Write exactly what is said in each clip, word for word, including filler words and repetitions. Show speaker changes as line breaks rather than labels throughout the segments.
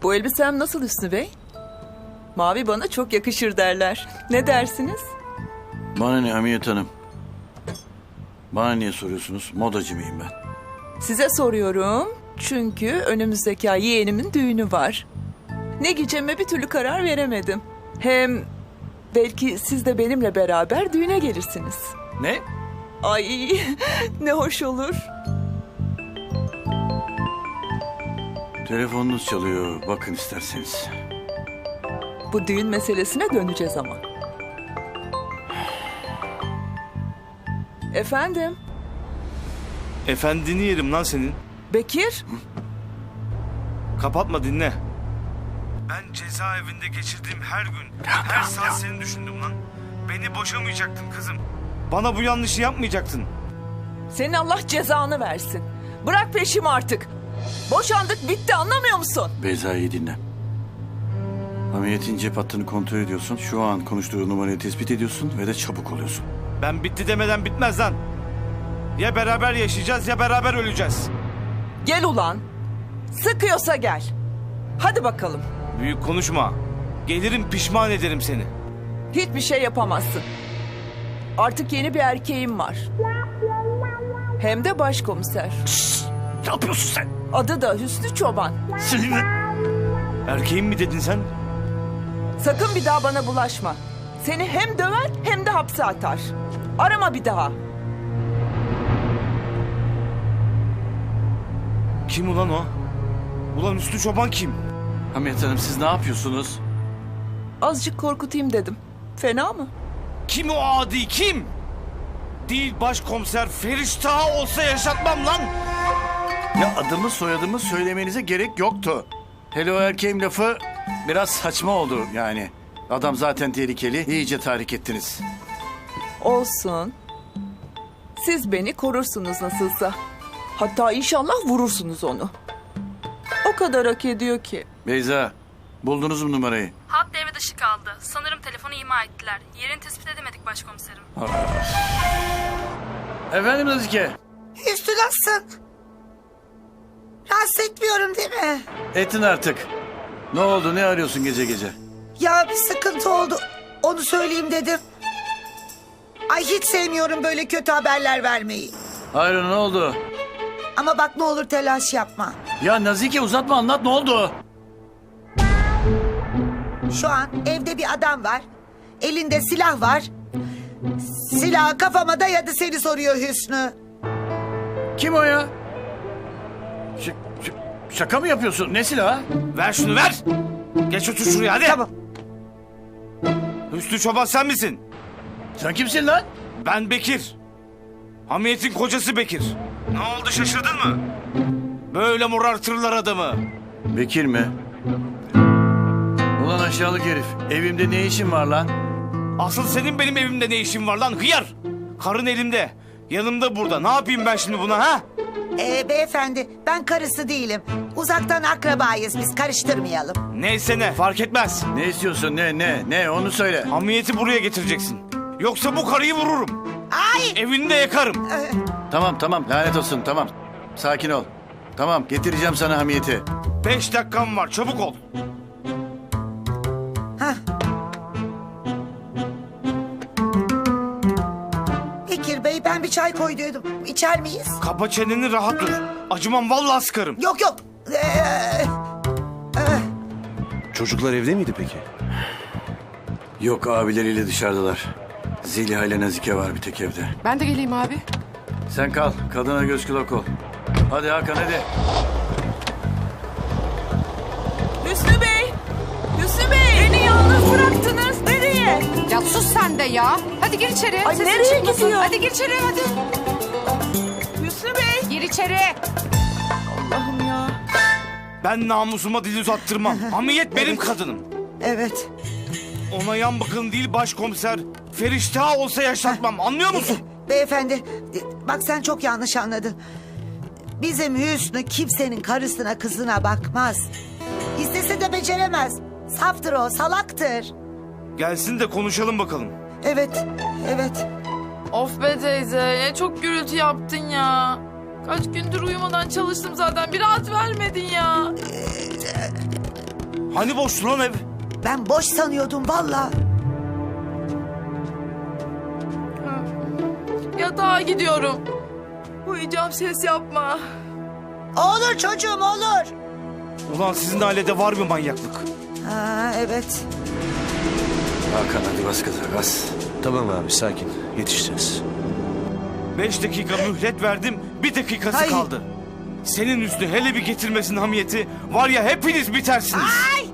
Bu elbisem nasıl Hüsnü Bey? Mavi bana çok yakışır derler. Ne dersiniz?
Bana ne Hamiyet Hanım? Bana niye soruyorsunuz? Modacı mıyım ben?
Size soruyorum. Çünkü önümüzdeki ay yeğenimin düğünü var. Ne giyeceğime bir türlü karar veremedim. Hem belki siz de benimle beraber düğüne gelirsiniz.
Ne?
Ay ne hoş olur.
Telefonunuz çalıyor. Bakın isterseniz.
Bu düğün meselesine döneceğiz ama. Efendim?
Efendini yerim lan senin.
Bekir?
Kapatma, dinle. Ben cezaevinde geçirdiğim her gün, her saat seni düşündüm lan. Beni boşamayacaktın kızım. Bana bu yanlışı yapmayacaktın.
Senin Allah cezanı versin. Bırak peşimi artık. Boşandık bitti, anlamıyor musun?
Beyza'yı dinle. Hamiyet'in cep hattını kontrol ediyorsun. Şu an konuştuğu numarayı tespit ediyorsun ve de çabuk oluyorsun.
Ben bitti demeden bitmez lan. Ya beraber yaşayacağız ya beraber öleceğiz.
Gel ulan. Sıkıyorsa gel. Hadi bakalım.
Büyük konuşma. Gelirim, pişman ederim seni.
Hiçbir şey yapamazsın. Artık yeni bir erkeğim var. Hem de başkomiser.
Ne yapıyorsun sen?
Adı da Hüsnü Çoban.
Seninle...
Erkeğim mi dedin sen?
Sakın bir daha bana bulaşma. Seni hem döver hem de hapse atar. Arama bir daha.
Kim ulan o? Ulan Üstü Çoban kim?
Hamiyet Hanım siz ne yapıyorsunuz?
Azıcık korkutayım dedim. Fena mı?
Kim o adi, kim? Değil başkomiser Feriştah olsa yaşatmam lan.
Ya adımı soyadımı söylemenize gerek yoktu. Hele o erkeğim lafı biraz saçma oldu yani. Adam zaten tehlikeli, iyice tahrik ettiniz.
Olsun. Siz beni korursunuz nasılsa. Hatta inşallah vurursunuz onu. O kadar hak ediyor ki.
Beyza, buldunuz mu numarayı?
Hat devre dışı kaldı. Sanırım telefonu ima ettiler. Yerini tespit edemedik başkomiserim.
Efendim Nazike?
Üstü nasılsın? Rahatsız etmiyorum değil mi?
Ettin artık. Ne oldu, ne arıyorsun gece gece?
Ya bir sıkıntı oldu. Onu söyleyeyim dedim. Ay hiç sevmiyorum böyle kötü haberler vermeyi.
Hayır ne oldu?
Ama bak ne olur telaş yapma.
Ya Nazike uzatma anlat ne oldu?
Şu an evde bir adam var. Elinde silah var. Silahı kafama dayadı seni soruyor Hüsnü.
Kim o ya? Ş- ş- şaka mı yapıyorsun? Ne silahı?
Ver şunu, ver. Geç otur şuraya hadi.
Tamam.
Üstü Çoban sen misin?
Sen kimsin lan?
Ben Bekir. Hamiyet'in kocası Bekir. Ne oldu, şaşırdın mı? Böyle morartırlar adamı.
Bekir mi? Ulan aşağılık herif. Evimde ne işin var lan?
Asıl senin benim evimde ne işin var lan hıyar? Karın elimde. Yanımda burada. Ne yapayım ben şimdi buna ha?
Ee, beyefendi ben karısı değilim. Uzaktan akrabayız biz, karıştırmayalım.
Neyse ne, fark etmez.
Ne istiyorsun ne ne ne onu söyle.
Hamiyet'i buraya getireceksin. Yoksa bu karıyı vururum.
Ay!
Evini de yakarım.
Ee,
Tamam tamam lanet olsun tamam. Sakin ol. Tamam getireceğim sana Hamiyet'i.
Beş dakikam var, çabuk ol.
hah. Bekir Bey ben bir çay koyduydum. İçer miyiz?
Kapa çeneni, rahat dur. Acımam, vallahi sıkarım.
Yok yok. Ee,
Çocuklar evde miydi peki?
Yok abileriyle dışarıdalar. Zeliha ile Nazike var bir tek evde.
Ben de geleyim abi.
Sen kal kadına göz kulak ol. Hadi Hakan hadi.
Hüsnü Bey! Hüsnü Bey! Beni yalnız bıraktınız. Nereye?
Ya sus sen de ya. Hadi gir içeri.
Ay,
Sesin
nereye
çıkmasın.
gidiyor?
Hadi gir içeri hadi.
Hüsnü Bey!
Gir içeri.
Allah'ım ya.
Ben namusuma dil uzattırmam. Hamiyet benim kadınım.
evet.
Ona yan bakın değil başkomiser Feriştah olsa yaşatmam. Anlıyor musun?
Beyefendi bak sen çok yanlış anladın. Bizim Hüsnü kimsenin karısına kızına bakmaz. İstese de beceremez. Saftır o, salaktır.
Gelsin de konuşalım bakalım.
Evet, evet.
Of be teyze, ne çok gürültü yaptın ya. Kaç gündür uyumadan çalıştım zaten, bir rahat vermedin ya.
Hani boştu lan ev?
Ben boş sanıyordum valla.
Yatağa gidiyorum. Uyuyacağım, ses yapma.
Olur çocuğum olur.
Ulan sizin ailede var mı manyaklık?
Ha, evet.
Hakan hadi bas kıza bas.
Tamam abi sakin. Yetişeceğiz.
Beş dakika mühlet verdim, bir dakikası
Ay.
kaldı. Senin üstü hele bir getirmesin hamiyeti. Var ya hepiniz bitersiniz.
Ay!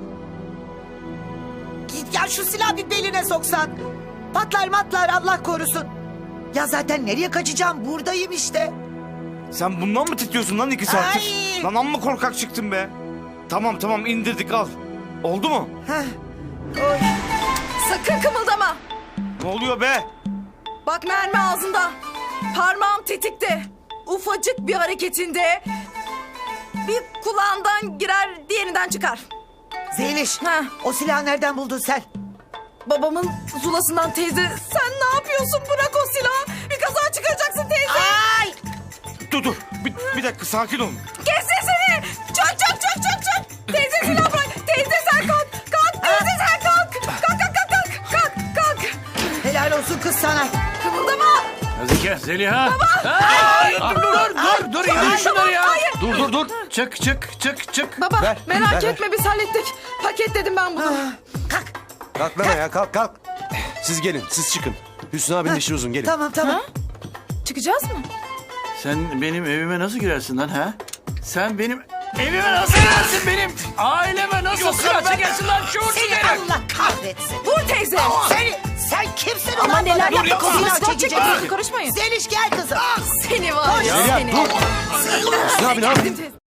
Git ya şu silahı bir beline soksan. Patlar matlar Allah korusun. Ya zaten nereye kaçacağım? Buradayım işte.
Sen bundan mı titriyorsun lan iki saattir?
Ay.
Lan amma korkak çıktın be. Tamam tamam indirdik al. Oldu mu?
Heh. Oy.
Sakın kımıldama.
Ne oluyor be?
Bak mermi ağzında. Parmağım tetikte. Ufacık bir hareketinde bir kulağından girer, diğerinden çıkar.
Zeliş,
Heh.
o silahı nereden buldun sen?
Babamın zulasından teyze. Sen ne yapıyorsun? Bırak o silahı. Bir kaza çıkaracaksın teyze.
Ay!
Dur dur bir, bir dakika sakin olun.
Kes sesini. Çök çök çök çök çök. Teyze silah bırak. Teyze sen kalk. Kalk teyze sen kalk. Kalk kalk kalk kalk. Kalk kalk.
Helal olsun kız sana.
Kımıldama.
Nazike, Zeliha. Baba. Dur dur dur dur indir şunları ya. Dur dur dur. Çık çık çık çık.
Baba
Ver,
merak
ver,
etme biz hallettik. Paketledim ben bunu.
Kalk.
Kalk lan ya kalk kalk. Siz gelin siz çıkın. Hüsnü abinin işi uzun gelin.
Tamam tamam.
Çıkacağız mı?
Sen benim evime nasıl girersin lan ha? Sen benim evime nasıl girersin benim? Aileme nasıl silah çekersin lan şuursuz
Seni
herif?
Allah kahretsin.
Vur teyze.
Seni, sen kimsin
Ama
ulan
neler
bana
yaptın?
silah
Silah
çekecek?
çekiyorsun, karışmayın.
Zeliş gel kızım.
Seni var ya
Zeliha,
seni.
dur. Hüsnü abi ne yapıyorsun?
Teyze.